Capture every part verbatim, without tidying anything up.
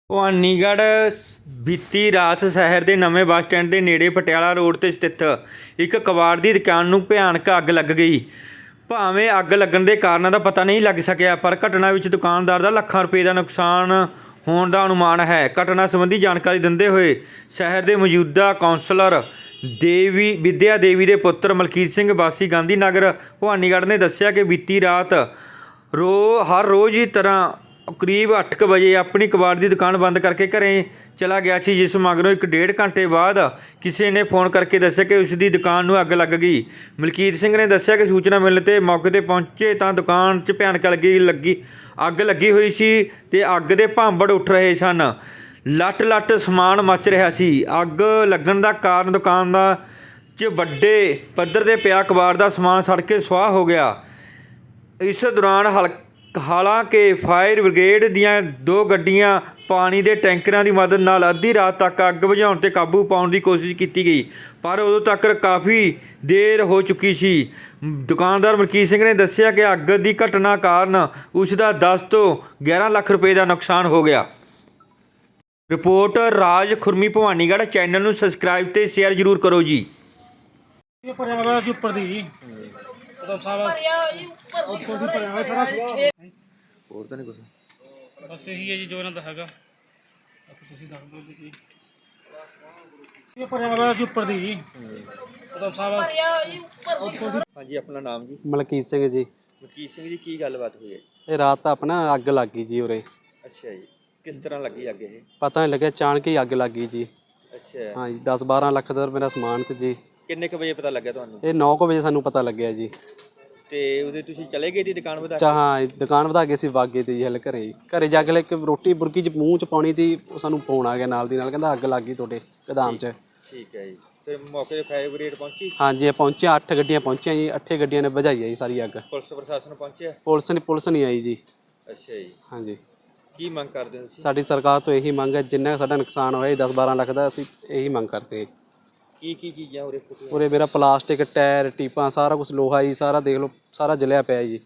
ਭਵਾਨੀਗੜ੍ਹ ਬੀਤੀ ਰਾਤ ਸ਼ਹਿਰ ਦੇ ਨਵੇਂ ਬੱਸ ਸਟੈਂਡ ਦੇ ਨੇੜੇ ਪਟਿਆਲਾ ਰੋਡ 'ਤੇ ਸਥਿਤ ਇੱਕ ਕਬਾੜ ਦੀ ਦੁਕਾਨ ਨੂੰ ਭਿਆਨਕ ਅੱਗ ਲੱਗ ਗਈ। ਭਾਵੇਂ ਅੱਗ ਲੱਗਣ ਦੇ ਕਾਰਨਾਂ ਦਾ ਪਤਾ ਨਹੀਂ ਲੱਗ ਸਕਿਆ, ਪਰ ਘਟਨਾ ਵਿੱਚ ਦੁਕਾਨਦਾਰ ਦਾ ਲੱਖਾਂ ਰੁਪਏ ਦਾ ਨੁਕਸਾਨ ਹੋਣ ਦਾ ਅਨੁਮਾਨ ਹੈ। ਘਟਨਾ ਸੰਬੰਧੀ ਜਾਣਕਾਰੀ ਦਿੰਦੇ ਹੋਏ ਸ਼ਹਿਰ ਦੇ ਮੌਜੂਦਾ ਕੌਂਸਲਰ ਦੇਵੀ ਵਿਦਿਆ ਦੇਵੀ ਦੇ ਪੁੱਤਰ ਮਲਕੀਤ ਸਿੰਘ ਵਾਸੀ ਗਾਂਧੀ ਨਗਰ ਭਵਾਨੀਗੜ੍ਹ ਨੇ ਦੱਸਿਆ ਕਿ ਬੀਤੀ ਰਾਤ ਰੋ ਹਰ ਰੋਜ਼ ਦੀ ਤਰ੍ਹਾਂ ਕਰੀਬ ਅੱਠ ਕੁ ਵਜੇ ਆਪਣੀ ਕਬਾੜ ਦੀ ਦੁਕਾਨ ਬੰਦ ਕਰਕੇ ਘਰੇ ਚਲਾ ਗਿਆ ਸੀ, ਜਿਸ ਮਗਰੋਂ ਇੱਕ ਡੇਢ ਘੰਟੇ ਬਾਅਦ ਕਿਸੇ ਨੇ ਫੋਨ ਕਰਕੇ ਦੱਸਿਆ ਕਿ ਉਸ ਦੀ ਦੁਕਾਨ ਨੂੰ ਅੱਗ ਲੱਗ ਗਈ। ਮਲਕੀਤ ਸਿੰਘ ਨੇ ਦੱਸਿਆ ਕਿ ਸੂਚਨਾ ਮਿਲਣ 'ਤੇ ਮੌਕੇ 'ਤੇ ਪਹੁੰਚੇ ਤਾਂ ਦੁਕਾਨ 'ਚ ਭਿਆਨਕ ਲੱਗੀ ਲੱਗੀ ਅੱਗ ਲੱਗੀ ਹੋਈ ਸੀ ਅਤੇ ਅੱਗ ਦੇ ਭਾਂਬੜ ਉੱਠ ਰਹੇ ਸਨ। ਲੱਟ ਲੱਟ ਸਮਾਨ ਮੱਚ ਰਿਹਾ ਸੀ। ਅੱਗ ਲੱਗਣ ਦਾ ਕਾਰਨ ਦੁਕਾਨ ਦਾ 'ਚ ਵੱਡੇ ਪੱਧਰ 'ਤੇ ਪਿਆ ਕਬਾੜ ਦਾ ਸਮਾਨ ਸੜ ਕੇ ਸੁਆਹ ਹੋ ਗਿਆ। ਇਸ ਦੌਰਾਨ ਹਲ ਹਾਲਾਂਕਿ ਫਾਇਰ ਬ੍ਰਿਗੇਡ ਦੀਆਂ ਦੋ ਗੱਡੀਆਂ ਪਾਣੀ ਦੇ ਟੈਂਕਰਾਂ ਦੀ ਮਦਦ ਨਾਲ ਅੱਧੀ ਰਾਤ ਤੱਕ ਅੱਗ ਬੁਝਾਉਣ 'ਤੇ ਕਾਬੂ ਪਾਉਣ ਦੀ ਕੋਸ਼ਿਸ਼ ਕੀਤੀ ਗਈ, ਪਰ ਉਦੋਂ ਤੱਕ ਕਾਫੀ ਦੇਰ ਹੋ ਚੁੱਕੀ ਸੀ। ਦੁਕਾਨਦਾਰ ਮਲਕੀਤ ਸਿੰਘ ਨੇ ਦੱਸਿਆ ਕਿ ਅੱਗ ਦੀ ਘਟਨਾ ਕਾਰਨ ਉਸ ਦਾ ਦਸ ਤੋਂ ਗਿਆਰਾਂ ਲੱਖ ਰੁਪਏ ਦਾ ਨੁਕਸਾਨ ਹੋ ਗਿਆ। ਰਿਪੋਰਟ ਰਾਜ ਖੁਰਮੀ ਭਵਾਨੀਗੜ੍ਹ। ਚੈਨਲ ਨੂੰ ਸਬਸਕ੍ਰਾਈਬ ਤੇ ਸ਼ੇਅਰ ਜ਼ਰੂਰ ਕਰੋ ਜੀ। ਉੱਪਰ ਦੀ ਜੀ ਉਦੋਂ ਸਾਰਾ ਉੱਪਰ ਦੀ ਭਰਿਆ ਹੋਇਆ ਸਾਰਾ ਹੋਰ ਤਾਂ ਨਹੀਂ ਕੁਛ, ਬਸ ਇਹੀ ਹੈ ਜੀ ਜੋ ਇਹਨਾਂ ਦਾ ਹੈਗਾ। ਤੁਸੀਂ ਦੱਸ ਦਿਓ ਜੀ ਇਹ ਭਰਿਆ ਹੋਇਆ ਸੀ ਉੱਪਰ ਦੀ ਜੀ ਉਦੋਂ ਸਾਰਾ ਉੱਪਰ ਦੀ। ਹਾਂਜੀ, ਆਪਣਾ ਨਾਮ ਜੀ? ਮਲਕੀਤ ਸਿੰਘ ਜੀ। ਮਲਕੀਤ ਸਿੰਘ ਜੀ, ਕੀ ਗੱਲਬਾਤ ਹੋਈ ਹੈ? ਇਹ ਰਾਤ ਤਾਂ ਆਪਣਾ ਅੱਗ ਲੱਗ ਗਈ ਜੀ ਉਰੇ। ਅੱਛਾ ਜੀ, ਕਿਸ ਤਰ੍ਹਾਂ ਲੱਗੀ ਅੱਗ? ਇਹ ਪਤਾ ਨਹੀਂ ਲੱਗਿਆ, ਅਚਾਨਕ ਹੀ ਅੱਗ ਲੱਗ ਗਈ ਜੀ। ਅੱਛਾ ਹਾਂ ਜੀ, ਦਸ ਬਾਰਾਂ ਲੱਖ ਦਾ ਮੇਰਾ ਸਮਾਨ ਤੇ ਜੀ। ਕਿੰਨੇ ਕੁ ਵਜੇ ਪਤਾ ਲੱਗਿਆ ਤੁਹਾਨੂੰ? ਇਹ ਨੌ ਕੁ ਵਜੇ ਸਾਨੂੰ ਪਤਾ ਲੱਗਿਆ ਜੀ। ਤੇ ਉਹਦੇ ਤੁਸੀਂ ਚਲੇ ਗਏ ਦੀ ਦੁਕਾਨ ਵਧਾ ਚਾ ਹਾਂ, ਦੁਕਾਨ ਵਧਾ ਕੇ ਅਸੀਂ ਵਾਗੇ ਤੇ ਜੀ ਹਲ ਘਰੇ ਜੀ। ਘਰੇ ਜਾ ਕੇ ਲੈ ਕੇ ਰੋਟੀ ਬੁਰਕੀ 'ਚ ਮੂੰਹ 'ਚ ਪਾਉਣੀ ਤੀ, ਸਾਨੂੰ ਫੋਨ ਆ ਗਿਆ ਨਾਲ ਦੀ ਨਾਲ, ਕਹਿੰਦਾ ਅੱਗ ਲੱਗ ਗਈ ਤੁਹਾਡੇ ਗੋਦਾਮ 'ਚ। ਠੀਕ ਹੈ ਜੀ। ਫਿਰ ਮੌਕੇ 'ਤੇ ਫਾਇਰ ਬ੍ਰਿਗੇਡ ਪਹੁੰਚੀ? ਹਾਂਜੀ, ਪਹੁੰਚਿਆ। ਅੱਠ ਗੱਡੀਆਂ ਪਹੁੰਚੀਆਂ ਜੀ। ਅੱਠੇ ਗੱਡੀਆਂ ਨੇ ਬੁਝਾਈ ਆ ਜੀ ਸਾਰੀ ਅੱਗ। ਪੁਲਿਸ ਪ੍ਰਸ਼ਾਸਨ ਪਹੁੰਚਿਆ? ਪੁਲਿਸ ਨੇ ਪੁਲਿਸ ਨਹੀਂ ਆਈ ਜੀ। ਅੱਛਾ ਜੀ। ਹਾਂਜੀ, ਕੀ ਮੰਗ ਕਰਦੇ ਹੋ ਤੁਸੀਂ? ਸਾਡੀ ਸਰਕਾਰ ਤੋਂ ਇਹੀ ਮੰਗ ਹੈ, ਜਿੰਨਾ ਸਾਡਾ ਨੁਕਸਾਨ ਹੋਇਆ ਦਸ ਬਾਰਾਂ ਲੱਖ ਦਾ, ਅਸੀਂ ਇਹੀ ਮੰਗ ਕਰਦੇ ਹਾਂ। ਕੀ ਕੀ ਚੀਜ਼ਾਂ ਉਰੇ ਫੁੱਟੀਆਂ? ਉਰੇ ਮੇਰਾ ਪਲਾਸਟਿਕ, ਟਾਇਰ, ਟੀਪਾਂ, ਸਾਰਾ ਕੁਝ, ਲੋਹਾ ਜੀ ਸਾਰਾ ਦੇਖ ਲਓ, ਸਾਰਾ ਜਲਿਆ ਪਿਆ ਜੀ।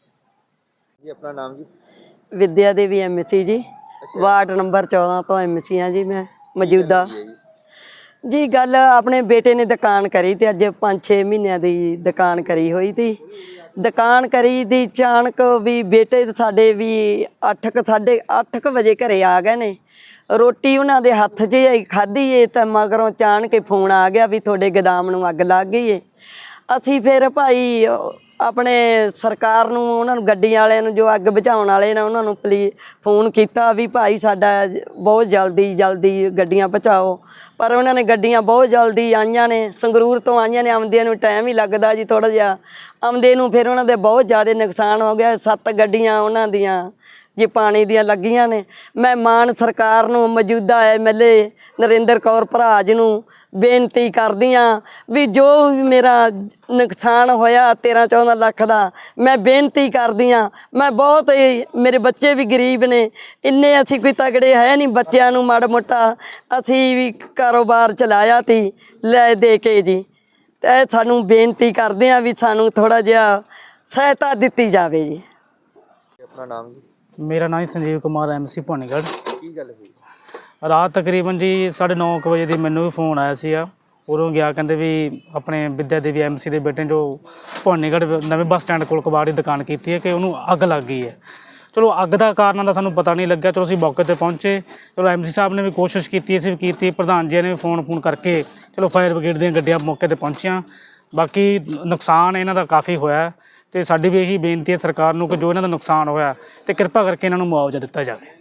ਜੀ ਆਪਣਾ ਨਾਮ ਜੀ? ਵਿਦਿਆ ਦੇਵੀ ਐਮ ਸੀ ਜੀ, ਵਾਰਡ ਨੰਬਰ ਚੌਦਾਂ ਤੋਂ ਐਮ ਸੀ ਹਾਂ ਜੀ ਮੈਂ ਮੌਜੂਦਾ। ਜੀ ਗੱਲ ਆਪਣੇ ਬੇਟੇ ਨੇ ਦੁਕਾਨ ਕਰੀ ਤੇ ਅੱਜ ਪੰਜ ਛੇ ਮਹੀਨਿਆਂ ਦੀ ਦੁਕਾਨ ਕਰੀ ਹੋਈ ਤੀ। ਦੁਕਾਨ ਕਰੀ ਦੀ ਅਚਾਨਕ ਵੀ ਬੇਟੇ ਸਾਡੇ ਵੀ ਅੱਠ ਕੁ ਸਾਢੇ ਅੱਠ ਕੁ ਵਜੇ ਘਰੇ ਆ ਗਏ ਨੇ। ਰੋਟੀ ਉਹਨਾਂ ਦੇ ਹੱਥ 'ਚ ਹੀ ਖਾਧੀ ਏ ਤਾਂ ਮਗਰੋਂ ਅਚਾਨਕ ਫੋਨ ਆ ਗਿਆ ਵੀ ਤੁਹਾਡੇ ਗੋਦਾਮ ਨੂੰ ਅੱਗ ਲੱਗ ਗਈ ਏ। ਅਸੀਂ ਫਿਰ ਭਾਈ ਆਪਣੇ ਸਰਕਾਰ ਨੂੰ, ਉਹਨਾਂ ਨੂੰ ਗੱਡੀਆਂ ਵਾਲਿਆਂ ਨੂੰ, ਜੋ ਅੱਗ ਬੁਝਾਉਣ ਵਾਲੇ ਨੇ, ਉਹਨਾਂ ਨੂੰ ਪਲੀ ਫੋਨ ਕੀਤਾ ਵੀ ਭਾਈ ਸਾਡਾ ਬਹੁਤ ਜਲਦੀ ਜਲਦੀ ਗੱਡੀਆਂ ਪਹੁੰਚਾਓ। ਪਰ ਉਹਨਾਂ ਨੇ ਗੱਡੀਆਂ ਬਹੁਤ ਜਲਦੀ ਆਈਆਂ ਨੇ, ਸੰਗਰੂਰ ਤੋਂ ਆਈਆਂ ਨੇ। ਆਉਂਦਿਆਂ ਨੂੰ ਟਾਈਮ ਹੀ ਲੱਗਦਾ ਜੀ ਥੋੜ੍ਹਾ ਜਿਹਾ। ਆਉਂਦੇ ਨੂੰ ਫਿਰ ਉਹਨਾਂ ਦੇ ਬਹੁਤ ਜ਼ਿਆਦਾ ਨੁਕਸਾਨ ਹੋ ਗਿਆ। ਸੱਤ ਗੱਡੀਆਂ ਉਹਨਾਂ ਦੀਆਂ ਜੇ ਪਾਣੀ ਦੀਆਂ ਲੱਗੀਆਂ ਨੇ। ਮੈਂ ਮਾਨ ਸਰਕਾਰ ਨੂੰ, ਮੌਜੂਦਾ M L A Narinder Kaur Bharaj ਨੂੰ ਬੇਨਤੀ ਕਰਦੀ ਹਾਂ ਵੀ ਜੋ ਵੀ ਮੇਰਾ ਨੁਕਸਾਨ ਹੋਇਆ ਤੇਰ੍ਹਾਂ ਚੌਦ੍ਹਾਂ ਲੱਖ ਦਾ, ਮੈਂ ਬੇਨਤੀ ਕਰਦੀ ਹਾਂ। ਮੈਂ ਬਹੁਤ, ਮੇਰੇ ਬੱਚੇ ਵੀ ਗਰੀਬ ਨੇ, ਇੰਨੇ ਅਸੀਂ ਕੋਈ ਤਗੜੇ ਹੈ ਨਹੀਂ। ਬੱਚਿਆਂ ਨੂੰ ਮਾੜਾ ਮੋਟਾ ਅਸੀਂ ਵੀ ਕਾਰੋਬਾਰ ਚਲਾਇਆ ਤੀ ਲੈ ਦੇ ਕੇ ਜੀ। ਅਤੇ ਸਾਨੂੰ ਬੇਨਤੀ ਕਰਦੇ ਹਾਂ ਵੀ ਸਾਨੂੰ ਥੋੜ੍ਹਾ ਜਿਹਾ ਸਹਾਇਤਾ ਦਿੱਤੀ ਜਾਵੇ ਜੀ। ਆਪਣਾ ਨਾਮ ਜੀ? ਮੇਰਾ ਨਾਮ ਸੰਜੀਵ ਕੁਮਾਰ, ਐਮ ਸੀ ਭਵਾਨੀਗੜ੍ਹ। ਕੀ ਗੱਲ ਹੋਈ ਰਾਤ ਤਕਰੀਬਨ ਜੀ ਸਾਢੇ ਨੌ ਕੁ ਵਜੇ ਦੀ ਮੈਨੂੰ ਵੀ ਫੋਨ ਆਇਆ ਸੀ। ਉਦੋਂ ਗਿਆ, ਕਹਿੰਦੇ ਵੀ ਆਪਣੇ ਵਿਦਿਆ ਦੇਵੀ ਐਮ ਸੀ ਦੇ ਬੇਟੇ ਜੋ ਭਵਾਨੀਗੜ੍ਹ ਨਵੇਂ ਬੱਸ ਸਟੈਂਡ ਕੋਲ ਕਬਾੜ ਦੀ ਦੁਕਾਨ ਕੀਤੀ ਹੈ ਕਿ ਉਹਨੂੰ ਅੱਗ ਲੱਗ ਗਈ ਹੈ। ਚਲੋ ਅੱਗ ਦਾ ਕਾਰਨ ਦਾ ਸਾਨੂੰ ਪਤਾ ਨਹੀਂ ਲੱਗਿਆ। ਚਲੋ ਅਸੀਂ ਮੌਕੇ 'ਤੇ ਪਹੁੰਚੇ। ਚਲੋ ਐਮ ਸੀ ਸਾਹਿਬ ਨੇ ਵੀ ਕੋਸ਼ਿਸ਼ ਕੀਤੀ, ਅਸੀਂ ਵੀ ਕੀਤੀ, ਪ੍ਰਧਾਨ ਜੀ ਨੇ ਵੀ ਫੋਨ ਫੋਨ ਕਰਕੇ ਚਲੋ ਫਾਇਰ ਬ੍ਰਿਗੇਡ ਦੀਆਂ ਗੱਡੀਆਂ ਮੌਕੇ 'ਤੇ ਪਹੁੰਚੀਆਂ। ਬਾਕੀ ਨੁਕਸਾਨ ਇਹਨਾਂ ਦਾ ਕਾਫੀ ਹੋਇਆ ਅਤੇ ਸਾਡੀ ਵੀ ਇਹੀ ਬੇਨਤੀ ਹੈ ਸਰਕਾਰ ਨੂੰ ਕਿ ਜੋ ਇਹਨਾਂ ਦਾ ਨੁਕਸਾਨ ਹੋਇਆ ਅਤੇ ਕਿਰਪਾ ਕਰਕੇ ਇਹਨਾਂ ਨੂੰ ਮੁਆਵਜ਼ਾ ਦਿੱਤਾ ਜਾਵੇ।